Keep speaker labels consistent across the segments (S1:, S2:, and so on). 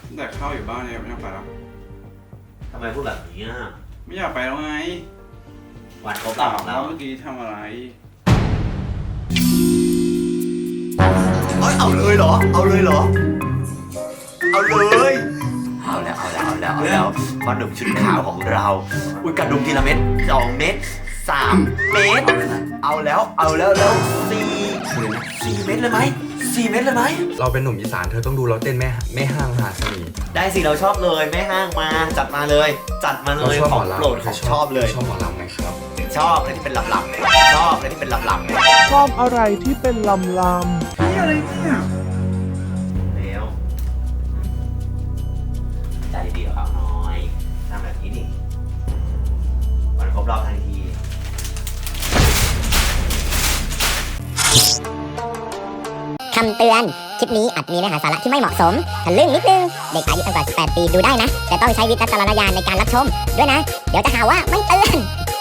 S1: แต่เข้าอยู่บ้านเนี่ยไม่อยากไปแล้ว
S2: ทำไมพูดแบบนี้อ่ะ
S1: ไม่อยากไปแล้วไง
S2: วันครบรอบของเรา
S1: เมื่อกี้ทำอะไร
S2: เอาเลยเหรอ เอาเลยเหรอ เอาเลยเอาแล้วพ่อหนุ่มชุดขาวของเราอุ้ยกระดุมทีละเม็ด2 เม็ด3 เม็ดเอาแล้วแล้ว4 เม็ดเลยไหม4 เม็ดเลยไหม
S3: เราเป็นหนุ่มอีสานเธอต้องดูเราเต้นแม่ห้างมหาเสน่ห์
S2: ได้สิเราชอบเลยแม่ห้างมาจัดมาเลยของโปรดของชอบเลย
S3: ชอบหมอลำไหมครับ
S2: ชอบอะไรที่เป็นลำๆชอบอะไรที่เป็นลำๆ
S4: ชอบอะไรที่เป็นลำ
S1: นี่อะไรเนี่ย
S2: แล้วใจดีกับเขาหน่อยทำแบบนี้ดิวันครบรอบทันที
S5: คำเตือน คลิปนี้อาจมีเนื้อหาสาระที่ไม่เหมาะสมทะลึ่งนิดนึง เด็กอายุต่ำกว่า 18 ปีดูได้นะ แต่ต้องใช้วิจารณญาณในการรับชม ด้วยนะ เดี๋ยวจะหาว่าไม่เตือน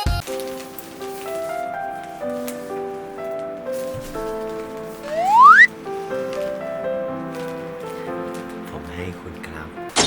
S2: ผมให้คุณครับ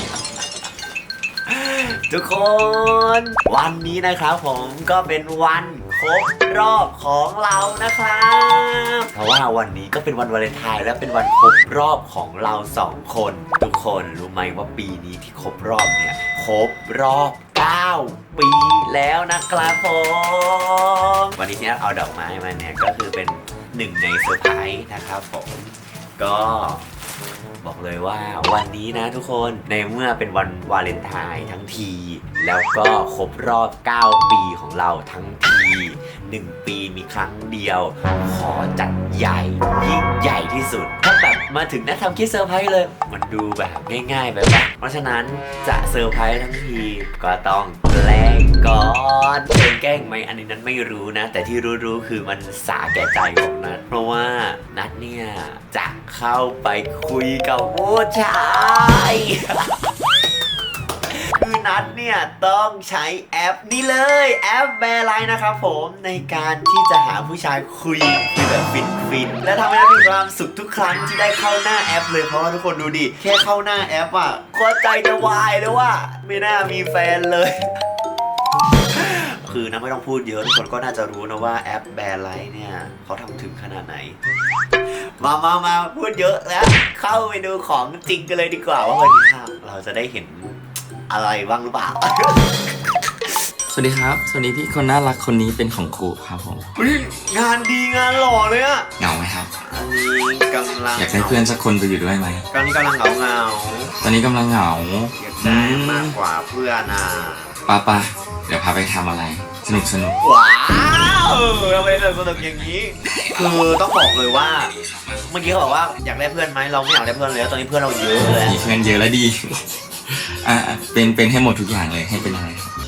S2: ทุกคน วันนี้นะครับผมก็เป็นวันครบรอบของเรานะครับเพราะว่าวันนี้ก็เป็นวันวาเลนไทน์และเป็นวันครบรอบของเรา2 คนทุกคนรู้ไหมว่าปีนี้ที่ครบรอบเนี่ยครบรอบ9 ปีแล้วนะครับผมวันนี้เนี่ยเอาดอกไม้มาเนี่ยก็คือเป็น1 ในเซอร์ไพรส์นะครับผมก็บอกเลยว่าวันนี้นะทุกคนในเมื่อเป็นวันวาเลนไทน์ทั้งทีแล้วก็ครบรอบ9 ปีของเราทั้งที1 ปีมีครั้งเดียวขอจัดใหญ่ยิ่งใหญ่ที่สุดถ้าแบบมาถึงนะทำคิดเซอร์ไพรส์เลยมันดูแบบง่ายๆไปปะเพราะฉะนั้นจะเซอร์ไพรส์ทั้งทีก็ต้องแกล้งก่อนเป็นแกล้งไหมอันนี้นั้นไม่รู้นะแต่ที่รู้ๆคือมันสาแก่ใจของนัทเพราะว่านัทเนี่ยจะเข้าไปคุยกับผู้ชาย คือนัทเนี่ยต้องใช้แอปนี้เลยแอปแบร์ไลน์นะครับผมในการที่จะหาผู้ชายคุยแบบฟินและทำให้นัทมีความสุขทุกครั้งที่ได้เข้าหน้าแอปเลยเพราะว่าทุกคนดูดิแค่เข้าหน้าแอปอ่ะก็ใจจะวายแล้วว่าไม่น่ามีแฟนเลย คือนะไม่ต้องพูดเยอะทุกคนก็น่าจะรู้นะว่าแอปแบร์ไลน์เนี่ยเขาทำถึงขนาดไหนมาพูดเยอะแล้วเข้าไปดูของจริงกันเลยดีกว่าว่าวันนี้เราจะได้เห็นอะไรบ้างหรือเปล่า
S6: สวัสดีครับ สวัสดีพี่คนน่ารักคนนี้เป็นของครูครับผม
S2: งานดีงานหล่อเลยอะ
S6: เหงาไหมครับ
S2: อันนี้กำลัง
S6: อยากได้เพื่อนสักคนไปอยู่ด้วยไหม
S2: ตอนนี้กำลังเหงา
S6: ตอนนี้กำลังเหงา
S2: อยากได้มากกว่าเพื่อนอ่ะ
S6: ป้าเดี๋ยวพาไปทำอะไร สนุก
S2: ว้าวทำไมสนุกอย่างนี้ คือต้องบอกเลยว่า เมื่อกี้เขาบอกว่าอยากได้เพื่อนไหมเราไม่อยากได้เพื่อนเลยตอนนี้เพื่อนเราเยอะเลย
S6: มีเพื่อนเยอะแล้วดี เป็นให้หมดทุกอย่างเลยให้เป็นอะไร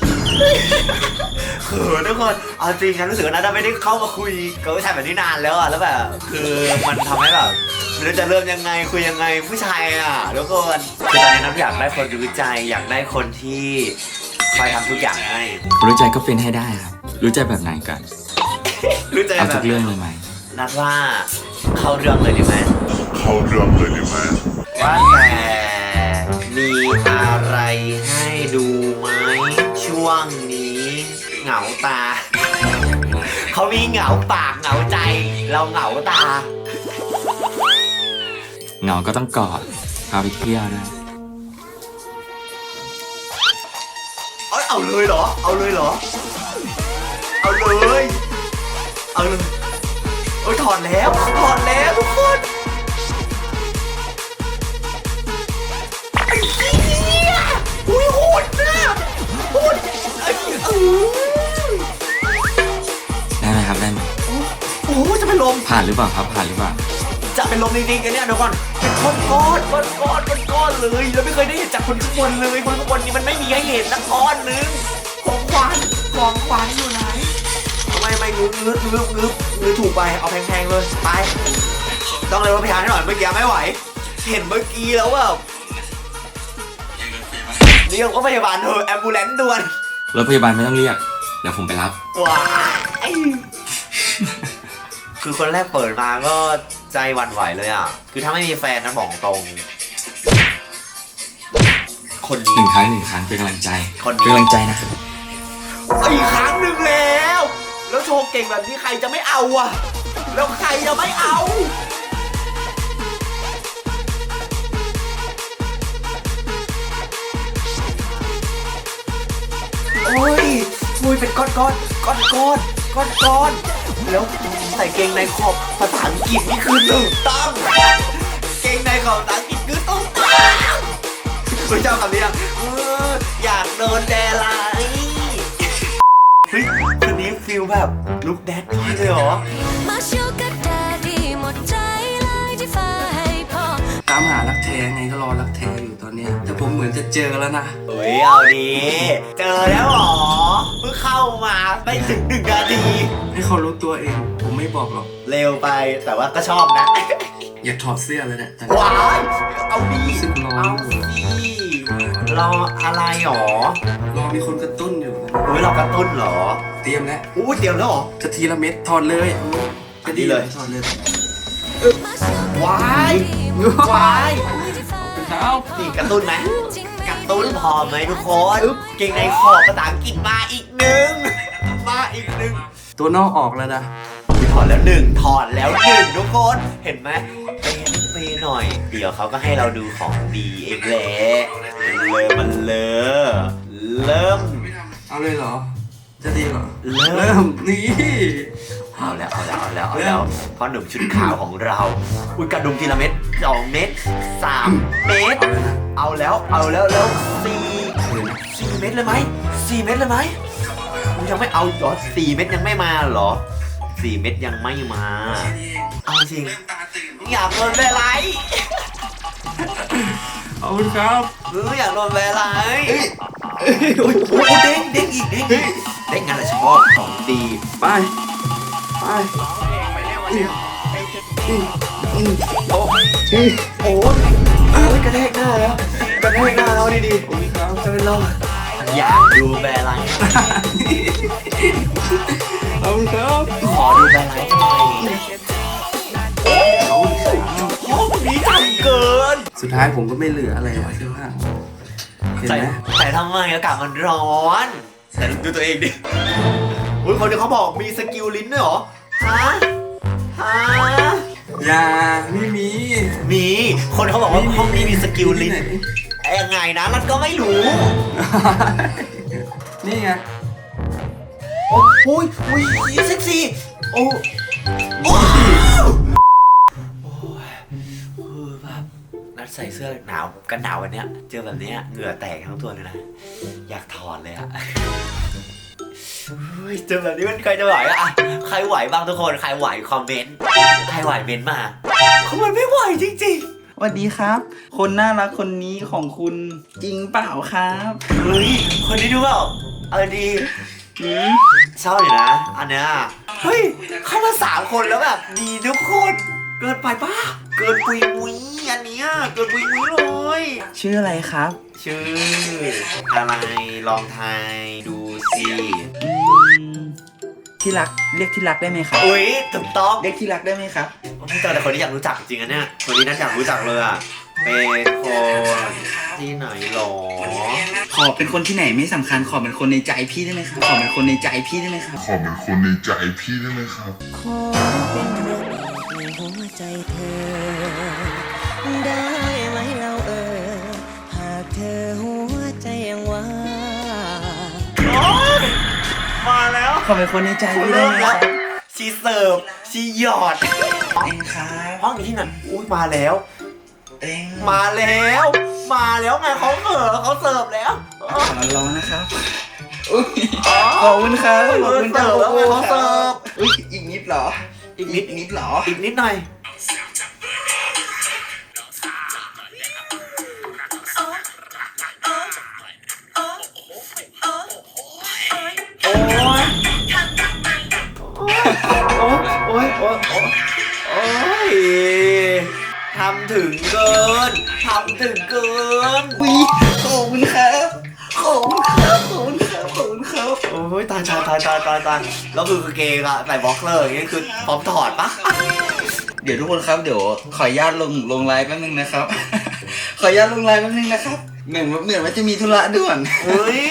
S2: คือทุกคนเอาจริงฉันรู้สึกว่านัทไม่ได้เข้ามาคุยกับผู้ชายแบบนี้นานแล้วอ่ะแล้วแบบคือมันทำให้แบบไม่รู้จะเริ่มยังไงคุยยังไงผู้ชายอ่ะทุกคนคือตอนนี้นัทอยากได้คนรู้ใจอยากได้คนที่คอยทำทุกอย่างให้
S6: รู้ใจก็เป็นให้ได้ครับ รู้ใจแบบไหนกัน
S2: รู้ใจ
S6: เอา
S2: แบ
S6: ทุ
S2: บ
S6: กเรื่องเลยไหม
S2: นัทว่าเข้าเรื่องเลยดีไหม ว่าแต่มีอะไรให้ดูไหมช่วงนี้เหงาตา เขามีเหงาปากเหงาใจ เราเหงาตา
S6: เหงาก็ต้องกอดพาไปเที่ยวด้วย
S2: เอาเลยเหรอ เอาเลยเหรอ เอาเลยโอ้ยถอดแล้วทุกคนไอ้เหี้ยอุ้ยโหดนะโหดไอ้
S6: ได้ไหมครับได้ไหม
S2: โอ้จะเป็นลม
S6: ผ่านหรือเปล่าครับผ่านหรือเปล่า
S2: จะเป็นลมจริงๆกันเนี่ยเดี๋ยวก่อนเป็นก้อนเลยเราไม่เคยได้เห็นจากคนข้างบนเลยคนข้างบนนี้มันไม่มีให้เห็นสักก้อนนึงของขวัญอยู่ไหนไม่งื้อถูกไปเอาแพงๆเลยไปต้องเลยรถพยาบาลให้หน่อยเมื่อกี้ไม่ไหวเห็นเมื่อกี้แล้วว่าเรียกว่าพยาบาลเถอะแอมบูเลนซ์ด่วน
S6: รถพยาบาลไม่ต้องเรียก เดี๋ยวผมไปรับ
S2: ว้ายคือคนแรกเปิดมาก็ใจหวั่นไหวเลยอ่ะคือถ้าไม่มีแฟนนะบอกตรงคน
S6: ห
S2: นี้
S6: นึ่งครั้งเป็นกำลังใจ
S2: คนนี้
S6: เป็นกำลังใจนะ
S2: อีกครั้งหนึ่งแล้วโชว์เก่งแบบนี้ใครจะไม่เอาอ่ะแล้วใครจะไม่เอาโอ้ยเป็นก้อนแล้วใส่เกงในขอบภาษาอังกฤษนี่คือถูกต้องเกงในขอบภาษาอังกฤษคือถูกต้องคุณเจ้าคำนี้ยังอยากโดนแดไลเฮ้ยคนนี้ฟิลแบบลุคแดดพี่เลยเหรอ
S7: มาชูกับแดดดี้หมดใจเลยที่ฟ้าให้พอ
S6: ตามหารักแท้ไงก็รอรักแท้อยู่ตอนเนี้ยแต่ผมเหมือนจะเจอแล้วนะ
S2: เฮ้ยเอาดีเจอแล้วเหรอเพิ่งเข้ามาไม่ถึง1 นาที
S6: ให้เขารู้ตัวเอง ผมไม่บอกหรอก
S2: เร็วไปแต่ว่าก็ชอบนะ
S6: อยากถอดเสื้อเลยเนี่ยแต่
S2: ว้ายเอาดี
S6: รู้สึกร้อน
S2: เอาสิรออะไรหรอ
S6: รอมีคนกระตุ้นอยู่นะ
S2: เฮ้ยเรากระตุ้นเหรอ
S6: เตรียมแล้ว
S2: อู้เตรียมแล้วเหรอ
S6: จะทีละเม็ดถอดเลย
S2: อันนี้เลย
S6: ถอดเลย
S2: ว้าย
S6: ครับ
S2: นี่กระตุ้นไหมกระตุ้นพอไหมทุกคนเก่งในขอบภาษาอังกฤษมาอีกหนึ่ง
S6: ตัวนอกออกแล้วนะ
S2: ถอดแล้วหนึ่งทุกคนเห็นไหมเปย์หน่อย เดี๋ยวเขาก็ให้เราดูของดีเองแหละเริ่ม
S6: เอาเลยเหรอ จะดีเหรอ
S2: เริ่ม
S6: นี่
S2: เอาแล้วพ่อหนุ่มชุดขาวของเราอุ้ยกระดุมทีละเม็ด2 เม็ด3 เม็ดเอาแล้วแล้ว4 เม็ดเลยไหมยังไม่เอาเหรอ4 เม็ดยังไม่มาเหรอ4 เม็ดยังไม่มาเอาจริงอยากโดนแวร์ไลท์
S6: ขอบคุณครับ
S2: อยากโดนแวร์ไลท์โอ้ยเด้งอีกเด้งงานละชอบของดี
S6: ไป
S2: โอ้ยกระแทกหน้าแล้วดีๆจะเป็นรอดอยากดูแบร์ไลท์
S6: ขอบคุณครับ
S2: ขอดูแบร์ไลท์หน่อยโอ้ดีจังเกิน
S6: สุดท้ายผมก็ไม่เหลืออะไรอะเสื้อผ้าเห็นไหม
S2: แต่ทำไมอากาศมันร้อนแต่ดูตัวเองดิอุ้ยคนที่เขาบอกมีสกิลลิ้นด้วยเหรอฮะ
S6: อย่าไม่มี
S2: มีคนเขาบอกว่าห้องนี้มีสกิลลิ้นยังไงนะรันก็ไม่รู้
S6: นี่ไง
S2: โอ้ยเซ็กซี่โอ้แบบนัดใส่เสื้อหนาวกันหนาววันเนี้ยเจอแบบเนี้ยเหงื่อแตกทั้งตัวเลยนะอยากถอดเลยอะเจอแบบนี้มันใครจะไหวอะใครไหวบ้างทุกคนใครไหวคอมเมนต์ใครไหวเมนต์มาเขามันไม่ไหวจริงๆ
S8: สวัสดีครับ คนน่ารักคนนี้ของคุณจริงเปล่าครับ
S2: เฮ้ยคนนี้ดูเปล่าดีชอบอยู่นะอันเนี้ยเฮ้ยเข้ามา3 คนแล้วแบบดีทุกคนเกินไปป่ะเกินปุยมุ้ยอันเนี้ยเกินปุยมุ้ยเลย
S8: ชื่ออะไรครับ
S2: ชื่ออะไรลองทายดูสิ
S8: ที่รักเรียกที่รักได้ไหมครับ
S2: อุ้ยถูกต้อง
S8: เรียกที่รักได้ไหมครับ
S2: พี่เจอแต่คนที่อยากรู้จักจริงๆเนี่ยคนนี้น่าอยากรู้จักเลยอ่ะเป็นคนที่ไหนหรอ
S8: ขอเป็นคนที่ไหนไม่สำคัญขอเป็นคนในใจพี่ได้ไหมครับขอเป็นคนในใจพี่ได้ไหมครับ
S9: ขอเป็นคนในใจพี่ได้ไหมครับ
S7: ขอเป็นเรื่องในหัวใจเธอ ได้ไหมเราหากเธอหัวใจยังว่าง
S2: มาแล้ว
S8: ขอเป็นคนในใจพี่ได้
S2: เริ่ม
S8: ไหมค
S2: แล้
S8: รั
S2: ว
S8: บ
S2: ชีเสิร์ฟชีหยอด
S8: เองครับ
S2: ห้องอยู่ที่ไหนอุ้ยมาแล้ว
S8: เอง
S2: มาแล้วไงเขาเสิร์ฟแล้ว
S8: ขอร้องนะครับอุ๊ยขอบคุณครับขอบคุณครับ
S2: แล้วไงเขาเสิร์ฟ
S8: อุ๊ยอีกนิดเหรอ
S2: อีกนิด
S8: นิดเหรอ
S2: อีกนิดหน่อยโอ้ยทำถึงเกิน
S8: อุ๊ยขอบคุณครับขอบคุณครับขอบคุณครับขอบคุณครับ
S2: โอ้ยตายแล้วคือเกงอะใส่บ็อกเลอร์อย่างเงี้ยคือพร้อมถอดปะ
S8: เดี๋ยวทุกคนครับเดี๋ยวขออนุญาตลงไลน์แป๊บนึงนะครับ ขออนุญาตลงไลน์แป๊บนึงนะครับเหมือนว่าจะมีธุระด่วน
S2: เฮ้ย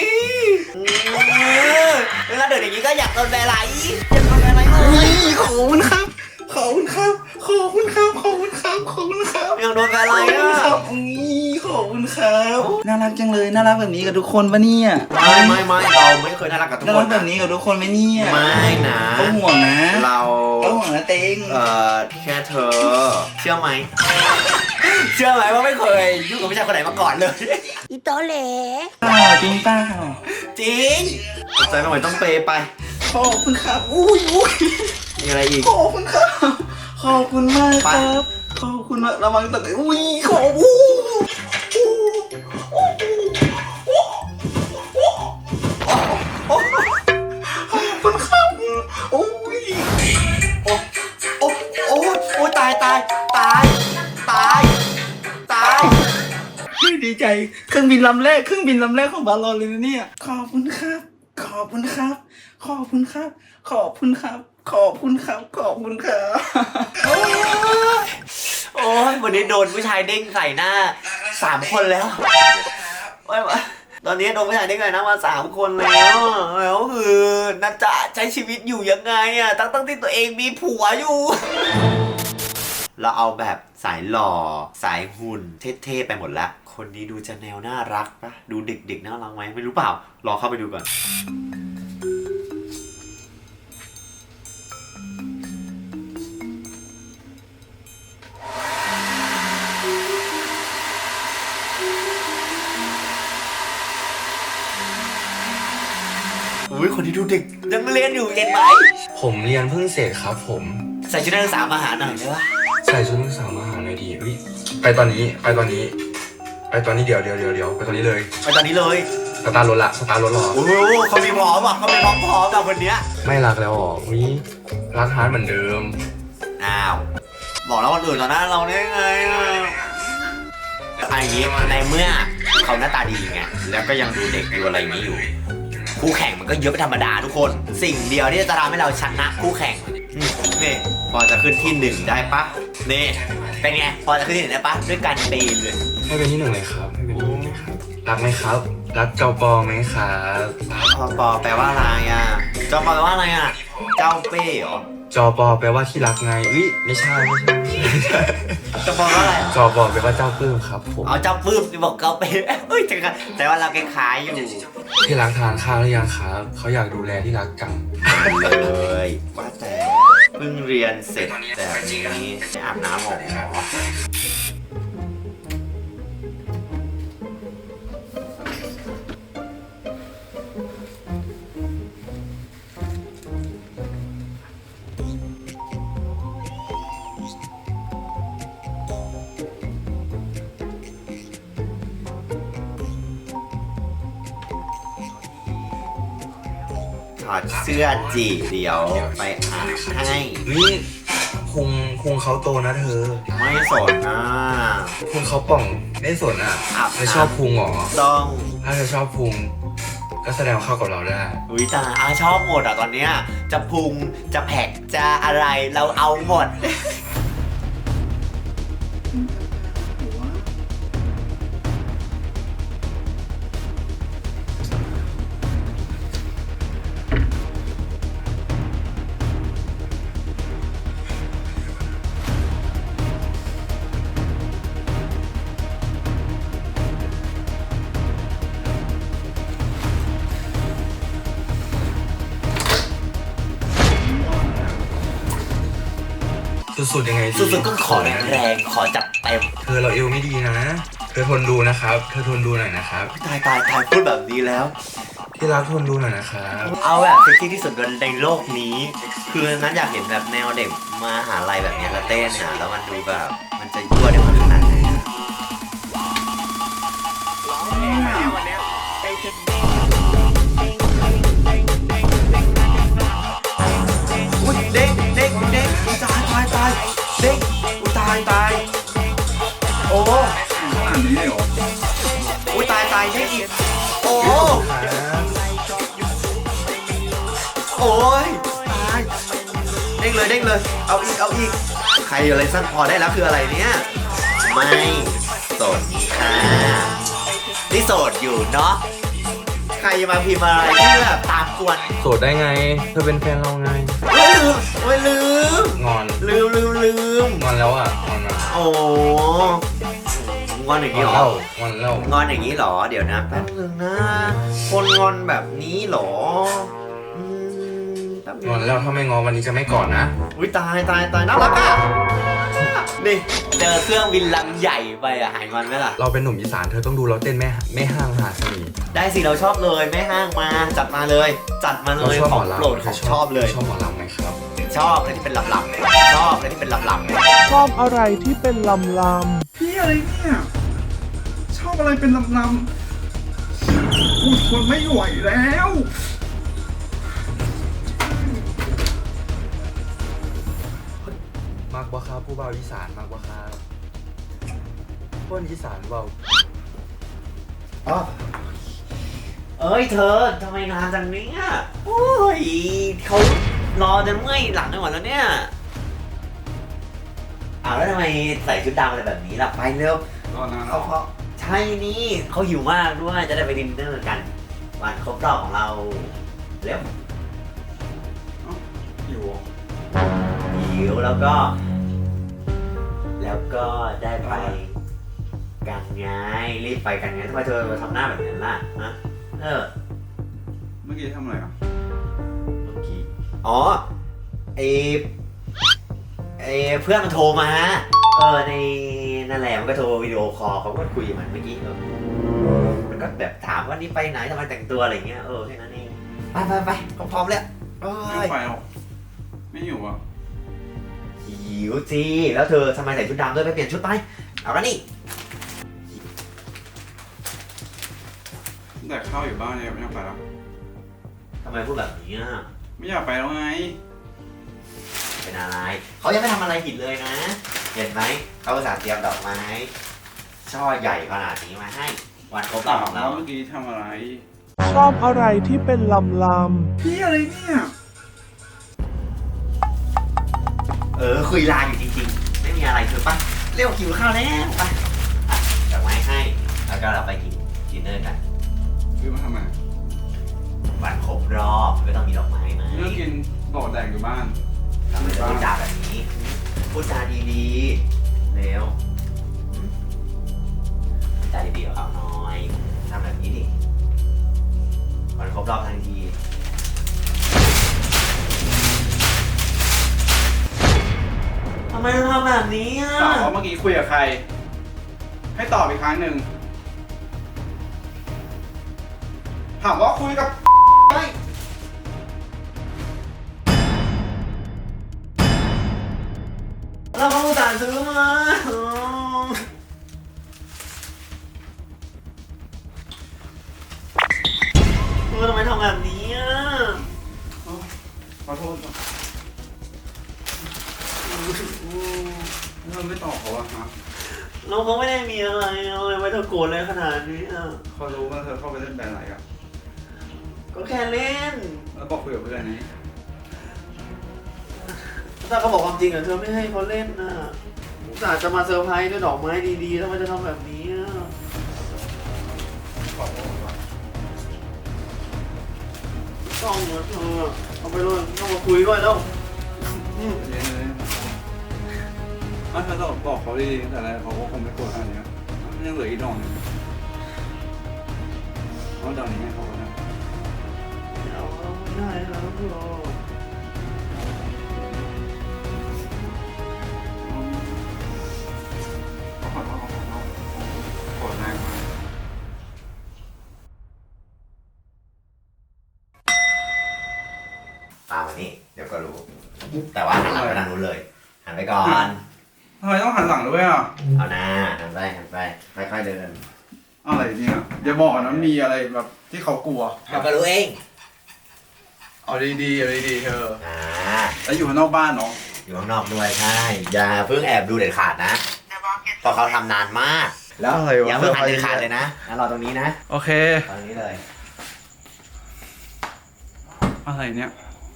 S2: เวลาเดินอย่างนี้ก็อยากโดนแบร์ไลท์อยากโดนแบร์ไลท์เลย
S8: ขอบคุณครับ ขอบคุณครับ ขอบคุณครับ ขอบคุณครับ ขอบคุณครับ
S2: อยากโดนแบร์ไล
S8: ขอบ
S2: ท์
S8: คุณ
S2: อ่ะ
S8: ครับขอบคุณครับ น่ารักจังเลย น่ารักแบบนี้กับทุกคนปะเนี่ย
S2: ไม่เราไม่เคยน่ารักกับทุก
S8: น่า
S2: ค
S8: รั
S2: น
S8: กแบบนี้กับทุกคนไหมเนี่ย
S2: ไม่นะ
S8: เขาห่วงนะ
S2: เรา
S8: เขาห่วงนะเต็ง
S2: แค่เธอ เชื่อไหม เชื่อไหมว่าไม่เคยยุ่งกับผู้ชายคนไหนมาก่อนเลย
S5: อีโตเหล
S8: จริงเปล่า
S2: จริงใจไม่ไหวต้องเปย์ไป
S8: ขอบคุณครับ อุ้ย
S2: มีอะไรอีก
S8: ขอบคุณครับ ขอบคุณมากครับ ขอบคุณมากระวังตกอุ้ยขอบคุณขอบคุณครับอุ้ย
S2: โอ้ตาย
S8: ดีใจเครื่องบินลำแรกของบาลอนเลยนะเนี่ยขอบคุณครับ ขอบคุณครับ ขอบคุณครับ ขอบคุณครับ ขอบคุณครับ ขอบคุณครับ
S2: โอ้ยวันนี้โดนผู้ชายเด้งใส่หน้า3 คนแล้วตอนนี้โดนผู้ชายเด้งใส่หน้ามา3 คนแล้วคือน่าจะใช้ชีวิตอยู่ยังไงอ่ะตั้งที่ตัวเองมีผัวอยู่ เราเอาแบบสายหล่อสายหุ่นเท่ๆไปหมดละคนนี้ดูจะแนวน่ารักปะดูเด็กๆน่ารักไหมไม่รู้เปล่ารอเข้าไปดูก่อนอุ้ยคนที่ดูเด็กยังเรียนอยู่เห็นไหม
S3: ผมเรียนเพิ่งเสร็จครับผม
S2: ใส่ชุดนักศึกษามาหาหน่อยได้ปะ
S3: ใส่ชุดนักศึกษามาหาหน่อยดีเฮ้ยไปตอนนี้เดี๋ยวไปตอนนี้เลย
S2: ไปตอนนี้เลย
S3: สตาร์ทรถรอ
S2: โอ้โหเขามีพร้อมอ่ะเขามีพร้อมกับคนเนี้ย
S3: ไม่รักแล้วอ๋ออุ้ยรักฮาร์ดเหมือนเดิม
S2: อ้าวบอกแล้วคนอื่นต่อหน้าเราได้ไงอ่ะอันนี้ในเมื่อเขาหน้าตาดีไงแล้วก็ยังดูเด็กดูอะไรอย่างนี้อยู่คู่แข่งมันก็เยอะเป็นธรรมดาทุกคนสิ่งเดียวที่จะทำให้เราชนะคู่แข่งนี่พอจะขึ้นที่ 1ได้ปะนี่เป็นไงพอจะขึ้นที่ 1ได้ปะด้วยการปีนเลย
S3: ให้เป็นที่ 1เลยครับให้เป็นที่ 1เลยครับรักไหมครับ รักเจ้าปอไหมครับ
S2: ปอแปลว่าอะไรอ่ะเจ้าปอแปลว่าอะไรอ่ะเจ้าเป้เหรอ
S3: จอปอแปลว่าที่รักไงไม่ใช่
S2: เจ้าปอว่าอะไรอ่ะ
S3: จอปอแปลว่าเจ้าปลื้มครับผม
S2: เอาเจ้าปื้มที่บอกเจ้าเป้เอ้ยแต่ว่าเราคล้ายๆอยู่
S3: ที่รักทานข้าวหรือยังครับเขาอยากดูแลที่รักจัง
S2: เลยว่าแต่เพิ่งเรียนเสร็จแบบนี้ไปอาบน้ำหรอถอดเสื้อจีเดี๋ยวไปอาบให้
S3: พุงเขาโตนะเธอ
S2: ไม่สนนะ
S3: พุงเขาป่องไม่สนอ่ะ
S2: อาบ
S3: เธอชอบพุงเหรอ
S2: ต้อง
S3: ถ้าเธอชอบพุงก็แสดงว่าเข้ากับเราได้
S2: อุ้ยตาชอบหมดอ่ะตอนเนี้ยจะพุงจะแผกจะอะไรเราเอาหมด
S3: สุดๆยังไงดี
S2: สุดๆก็ขอแรงขอจัดเต็ม
S3: เธอเราเอวไม่ดีนะ เธอทนดูนะครับเธอทนดูหน่อยนะครับ
S2: ตายพูดแบบนี้แล้ว
S3: ที่รักทนดูหน่อยนะครับ
S2: เอาแบบเซ็กซี่ที่สุดในโลกนี้ คือนั้นอยากเห็นแบบแนวเด็กมาหาลัยแบบนี้แล้วเต้นนะแล้วมันดูแบบมันจะยั่วได้ขนาดไหนอุ้ยเด็กตายเด็กอุ้ยตายโอ้
S1: อ่านนี้เลยเหรอ
S2: อุ้ยตายเด็กอีกโอ้โอ้ยตายเด้งเลยเอาอีกใครอะไรสั้นพอได้แล้วคืออะไรเนี่ยไม่สนค่ะนี่โสดอยู่เนาะใครจะมาพิมพ์อะไรที่แบบตามกวน
S3: โสดได้ไง เธอเป็นแฟนเราไง
S2: ลืม
S3: งอน
S2: ลืม
S3: งอนแล้วอ่ะ งอนแล้ว
S2: โอ้งอนอย่าง
S3: ง
S2: นี้
S3: อน
S2: เหร
S3: แล้
S2: อ
S3: วงอนแล้ว
S2: งอนอย่างนี้เหรอเดี๋ยวนะแป๊บนึงนะคนงอนแบบนี้เหรอแป๊บนึ
S3: งอนแล้วถ้าไม่งอวันนี้จะไม่กอดนะ
S2: อุ้ยตายน่ารักอ่ะนี่เจอเครื่องบินลำใหญ่ไปอ่ะหายงอนไหมล่ะ
S3: เราเป็นหนุ่มอีสานเธอต้องดูเราเต้นแม่ห้างมหาเสน่ห์
S2: ได้สิเราชอบเลยไม่ห้างมาจัดมาเลย จัดมาเล
S3: เรา
S2: ย
S3: ชอบ
S2: ข
S3: หม
S2: อ
S3: อง ลำ
S2: โปรดของชอบเลย
S3: ชอบหมอลำไหมครับ
S2: ชอบอะไรที่เป็นลำๆชอบอะไรที่เป็นลำ
S4: ชอบอะไรที่เป็นลำล
S1: พี่อะไรเนี่ย ชอบอะไรเป็นลำๆกูทนไม่ไหวแล้ว
S3: มากบ่ครับผู้เบาอีสานมากบ่ครับคนอีสานเบา
S2: ๆอ๋อเอ้ยเธอทำไมนานจังเนี้ยโอ้ยเขารอจนเมื่อยหลังไปหมดแล้วเนี่ยอ้าวแล้วทำไมใส่ชุดดำอะไรแบบนี้ล่ะไปเร็ว
S1: รอนานหร
S2: เขา
S1: อ
S2: เขาใช่นี่เขาหิวมากด้วยจะได้ไปดินเนอร์กันวันครบรอบของเราเร็ว
S1: อยู่
S2: หิวแล้วก็ ได้ไปกันไงรีบไปกันไงทำไมเธอทำหน้าแบบนั้นล่ะฮะเ
S1: เมื่อกี้ทำอะไรอ่ะ
S2: เมื่อกี้อ๋อไอเพื่อนมันโทรมาในนั่นแหละมันก็โทรวิดีโอคอลเขาก็คุยกับมันเมื่อกี้มันก็แบบถามว่านี่ไปไหนทำไมแต่งตัวอะไรเงี้ยแค่นั้นเองไปเขาพร้อมแล้ว
S1: ไม่ไปหรอกไม่อยู่อ่ะ
S2: หิวสิแล้วเธอทำไมใส่ชุดดำด้วยไปเปลี่ยนชุดไปเอาละนี่
S1: แต่ข้าวอยู่บ้านเนี่ยไม่อยากไปแล้ว
S2: ทำไมพูดแบบนี้อ่ะ
S1: ไม่อยากไปแล้วไง
S2: เป็นอะไรเขายังไม่ทำอะไรผิดเลยนะ เห็นไหมเขาอุตส่าห์เตรียมดอกไม้ช่อใหญ่ขนาดนี้มาให้วันครบรอบของเรา
S1: เมื่อกี้ทำอะไร
S4: ำชอบอะไรที่เป็นลำล
S1: พี่อะไรเนี่ย
S2: คุยไลน์อยู่จริงๆไม่มีอะไรเธอปะเร็วหิวข้าวแล้วไปอ่ะดอกไม้ให้แล้วก็เราไปกินดินเนอร์กัน
S1: ซื้อมาทำไม
S2: วันครบรอบก็ต้องมีดอกไม้ไหม
S1: เรื่องกินบอกแดกอยู่บ้าน
S2: ทำไมต้องพูดจาแบบนี้พูดจาดีๆเร็วพูดจาดีๆกับเขาหน่อยทำแบบนี้ดิวันครบรอบทันทีทำไมต้องทำแบบนี้อ่ะ
S1: ถามว่าเมื่อกี้คุยกับใคร ให้ตอบอีกครั้งหนึ่งถามว่าคุยกับ
S2: เราก็อุตส่าห์ซื้อมาทำไมทำแบบนี้อ่ะ
S1: ขอโทษครับเราไม่ตอบเขาอะฮะ
S2: เราเขาไม่ได้มีอะไรเลยไม่ต้องโกรธเลยขนาดนี้อ่ะ
S1: เขารู้ว่าเธอเข้าไปเล่นแบรนด์ไหนอะ
S2: ก็แค่เล่น
S1: แล้วบอกคุยกับเพื่อนนี้
S2: ถ้าเขาบอกความจริงอ่ะเธอไม่ให้เขาเล่นน่ะอุตส่าห์จะมาเซอร์ไพรส์ด้วยดอกไม้ดีๆแล้วมันจะทำแบบนี้อ่ะ
S1: ขอโทษก่อน
S2: ต้องเหรอเธอเอาไปเลยต้องมาคุยด้วยแล้ว
S1: เย็นเลยถ้าเธอต้องบอกเขาดีๆแต่อะไรเขาก็คงไม่โกรธขนาดนี้มันยังเหลืออีกดอกหนึงเพราะดอกนี้ไงเขาก็ได้
S2: เอาไม่ได้แล้วเธอ
S1: ขอโทษโกรธแรงมาก
S2: ตามมานี่เดี๋ยวก็รู้ แต่ว่าหันหลังไปทางนู้นเลยหันไปก่อน
S1: ทำไมต้องหันหลังด้วยอ่ะ
S2: เอาหน้าหันไปค่อยๆเดิน
S1: อะไรเนี่ยอย่าบอกนะมีอะไรแบบที่เขากลัว
S2: เดี๋ยวก็รู้เอง
S1: เอาดีๆเอาดีๆเธอ
S2: อ่า
S1: แล้วอยู่ข้างนอกบ้านเนาะ
S2: อยู่ข้างนอกด้วยใช่อย่าเพิ่งแอบดูเด็ดขาดนะเพราะเขาทำนานมากแล้ว
S1: อะไรวะ
S2: อย่าเพิ่งหันเด็ดขาดเลยนะงั้นรอตรงนี้นะ
S1: โอเค
S2: ตรงนี้เลย
S1: อะไรเนี่ย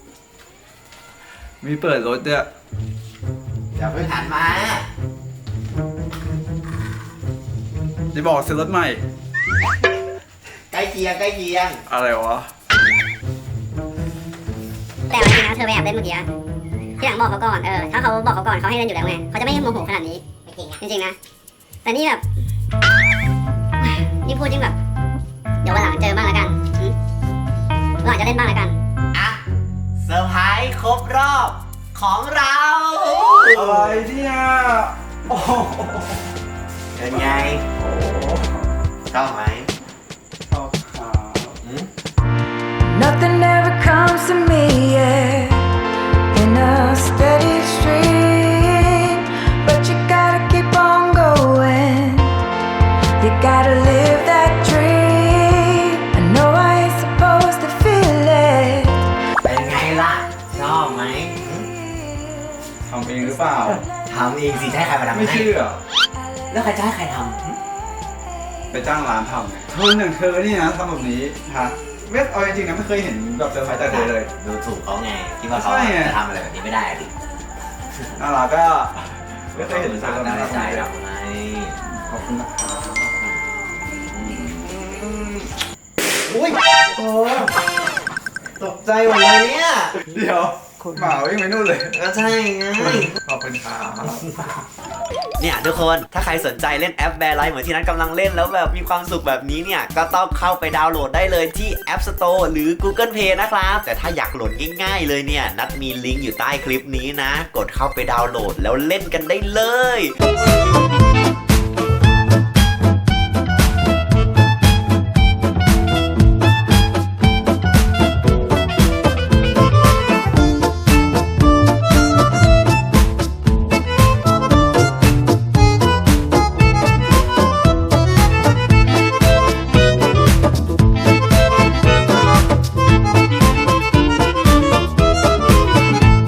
S1: มีเปิดรถด้วย
S2: อย่าเพิ่งหันมา
S1: จะบอกซื้อรถใหม่
S2: อใกล้เคียงใกล้เคียง
S1: อะไรวะ
S5: แต่จริงๆนะเธอไปแอบเล่นเมื่อกี้ที่หลังบอกเขาก่อนถ้าเขาบอกเขาก่อนเขาให้เล่นอยู่แล้วไงเขาจะไม่โมโหขนาดนี้จริงๆนะแต่นี่แบบนี่พูดจริงแบบเดี๋ยววันหลังเจอบ้างแล้วกันวันหลังจะเล่นบ้างแล้วกัน
S2: อ่ะเซอร์ไพรส์ครบรอบของเรา
S1: อะไรเนี่ยโอ้โห
S2: เป็นไงชอบไหม
S1: ชอบครับ
S10: Nothing ever comes to me, yeah, in a steady stream. But you gotta keep on going. You gotta live that dream. I know I ain't supposed to feel it.
S2: เป็นไงล่ะ ชอบไหม
S1: ทำเองหรือเปล่า
S2: ทำเองสิจะให้ใครมาทำ
S1: ไม่
S2: ให้
S1: เชื่อ
S2: แล้วใครจะให้ใครท
S1: ไปจ้างร้านทำไงเธอหนึ่งเธอนี่นะทำแบบนี้ฮะไม่เอาจริงๆนะไม่เคยเห็นแบบเซอร์ไพรส์จากเธอเลย
S2: ำดูถูกเขาไงคิดว่าเขา
S1: ใช่ไง
S2: จะทำอะไรแบบนี้ไม่ได้ดิ
S1: น่ารักก็ไม่เคยเห็นเธอ
S2: ได้
S1: ทำ
S2: ใจ
S1: แบบนี้
S2: เราไง
S1: ขอบคุณนะครับ
S2: อุ้ยโอ้ตกใจหมดเลยเนี่ย
S1: เดี๋ยวหมาวิ่งไปนู่นเลย
S2: ก็ใช่ไง
S1: ขอบคุณครับ
S2: เนี่ยทุกคนถ้าใครสนใจเล่นแอปแบร์ไลท์เหมือนที่นัทกำลังเล่นแล้วแบบมีความสุขแบบนี้เนี่ยก็ต้องเข้าไปดาวน์โหลดได้เลยที่ App Store หรือ Google Play นะครับแต่ถ้าอยากโหลดง่ายๆเลยเนี่ยนัทมีลิงก์อยู่ใต้คลิปนี้นะกดเข้าไปดาวน์โหลดแล้วเล่นกันได้เลย